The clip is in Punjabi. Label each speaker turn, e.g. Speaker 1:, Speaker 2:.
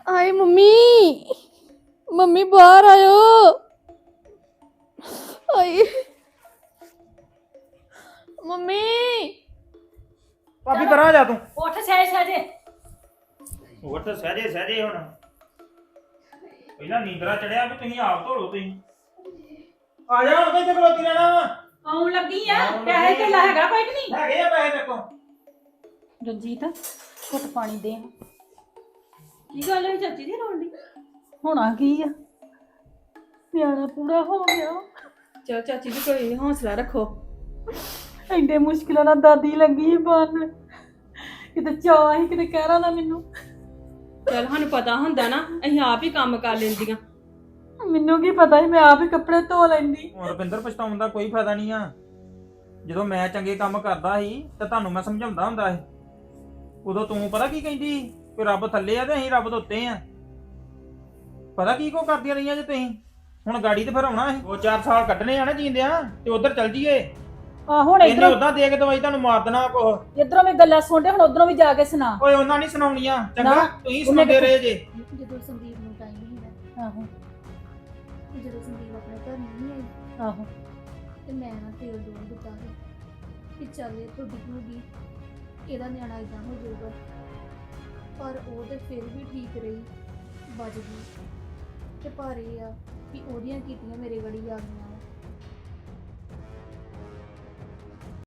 Speaker 1: ਹਾਏ ਮੰਮੀ ਮੰਮੀ ਬਾਹਰ ਆਇਓ ਹਾਏ ਮੰਮੀ
Speaker 2: ਭਾਬੀ ਪਰਾਂ ਜਾ ਤੂੰ
Speaker 3: ਉੱਠ ਸਹਿਜੇ
Speaker 2: ਉੱਠ ਸਹਜੇ ਹੁਣ ਪਹਿਲਾਂ ਨੀਂਦਰਾ ਚੜਿਆ ਵੀ ਤੁਸੀਂ ਆਪ ਧੋਲੋ ਤੁਸੀਂ ਆ ਜਾ ਹੁਣ ਕਿੱਥੇ ਖਲੋਤੀ ਰਹਿਣਾ ਵਾ
Speaker 3: ਆਉਣ ਲੱਗੀ ਆ
Speaker 2: ਆਉਣ ਲੱਗੀ
Speaker 3: ਪੈਸੇ ਤੇ ਹੈਗਾ ਕੋਈ ਕਿ ਨਹੀਂ
Speaker 2: ਹੈਗੇ ਆ ਪੈਸੇ ਮੇਰੇ ਕੋਲ
Speaker 3: ਰਣਜੀਤ ਘੁੱਟ ਪਾਣੀ ਦੇ ਕੀ ਗੱਲ ਹੈ ਚਾਚੀ ਦੀ ਰੋਣ ਦੀ ਹੋਣਾ ਕੀ ਆ ਨਿਆਣਾ ਪੂਰਾ ਹੋ ਗਿਆ ਚਲ ਚਾਚੀ ਜੀ ਕੋਈ ਹੌਸਲਾ ਰੱਖੋ ਐਡੇ ਮੁਸ਼ਕਿਲਾਂ ਨਾਲ ਦਾਦੀ ਲੱਗੀ ਬਣ ਕਿਤੇ ਚਾਹ ਹੀ ਕਿਤੇ ਕਹਿ ਰਹਾ ਨਾ ਮੈਨੂੰ
Speaker 1: ਚਲ ਸਾਨੂੰ ਪਤਾ ਹੁੰਦਾ ਨਾ ਅਸੀਂ ਆਪ ਹੀ ਕੰਮ ਕਰ ਲੈਂਦੀਆਂ
Speaker 3: ਮੈਨੂੰ ਕੀ ਪਤਾ ਸੀ ਮੈਂ ਆਪ ਹੀ ਕੱਪੜੇ ਧੋ ਲੈਂਦੀ
Speaker 2: ਹੁਣ ਰੁਪਿੰਦਰ ਪਛਤਾਉਣ ਦਾ ਕੋਈ ਫਾਇਦਾ ਨਹੀਂ ਆ ਜਦੋਂ ਮੈਂ ਚੰਗੇ ਕੰਮ ਕਰਦਾ ਸੀ ਤਾਂ ਤੁਹਾਨੂੰ ਮੈਂ ਸਮਝਾਉਂਦਾ ਹੁੰਦਾ ਸੀ ਉਦੋਂ ਤੂੰ ਪਤਾ ਕੀ ਕਹਿੰਦੀ ਕਿ ਰੱਬ ਥੱਲੇ ਆ ਤੇ ਅਸੀਂ ਰੱਬ ਦੇ ਉੱਤੇ ਆ ਪਤਾ ਕੀ ਕੋ ਕਰਦੀਆਂ ਰਹੀਆਂ ਜੇ ਤੁਸੀਂ ਹੁਣ ਗਾੜੀ ਤੇ ਫਿਰ ਆਉਣਾ ਸੀ 2-4 ਸਾਲ ਕੱਢਣੇ ਆ ਨਾ ਜੀਂਦਿਆਂ ਤੇ ਉਧਰ ਚੱਲ ਜੀਏ
Speaker 3: ਆ ਹੁਣ
Speaker 2: ਇਹਨੇ
Speaker 3: ਇਧਰੋਂ
Speaker 2: ਉਦਾਂ ਦੇ ਕੇ ਦਵਾਈ ਤੁਹਾਨੂੰ ਮਾਰ ਦੇਣਾ ਕੋ
Speaker 3: ਇਧਰੋਂ ਵੀ ਗੱਲਾਂ ਸੁਣਦੇ ਹੁਣ ਉਧਰੋਂ ਵੀ ਜਾ ਕੇ ਸੁਣਾ
Speaker 2: ਓਏ ਉਹਨਾਂ ਨਹੀਂ ਸੁਣਾਉਣੀਆਂ ਚੰਗਾ
Speaker 3: ਨਾ,
Speaker 2: ਤੁਸੀਂ ਸੁਣਾਉਂਦੇ ਰਹੇ ਜੇ
Speaker 4: ਜਦੋਂ ਸੰਦੀਪ ਨੂੰ ਟਾਈਮ ਨਹੀਂ ਹੈ
Speaker 3: ਆਹੋ
Speaker 4: ਜਦੋਂ ਸੰਦੀਪ ਆਪਣੇ ਘਰ ਨਹੀਂ ਆਈ
Speaker 3: ਆਹੋ
Speaker 4: ਤੇ ਮੈਂ ਨਾ ਤੇਲ ਡੋਲ ਦਿੱਤਾ ਸੀ ਕਿ ਚੱਲ ਇਹ ਤੁਹਾਡੀ ਹੋਗੀ ਇਹਦਾ ਨਿਆਣਾ ਇਦਾਂ ਹੋ ਜਾਊਗਾ ਪਰ ਉਹ ਤੇ ਫਿਰ ਵੀ ਠੀਕ ਰਹੀ ਬਚ ਗਈ ਤੇ ਪਰ ਇਹ ਆ ਕਿ ਉਹਦੀਆਂ ਕੀਤੀਆਂ ਮੇਰੇ ਗੜੀ ਆ ਗਈਆਂ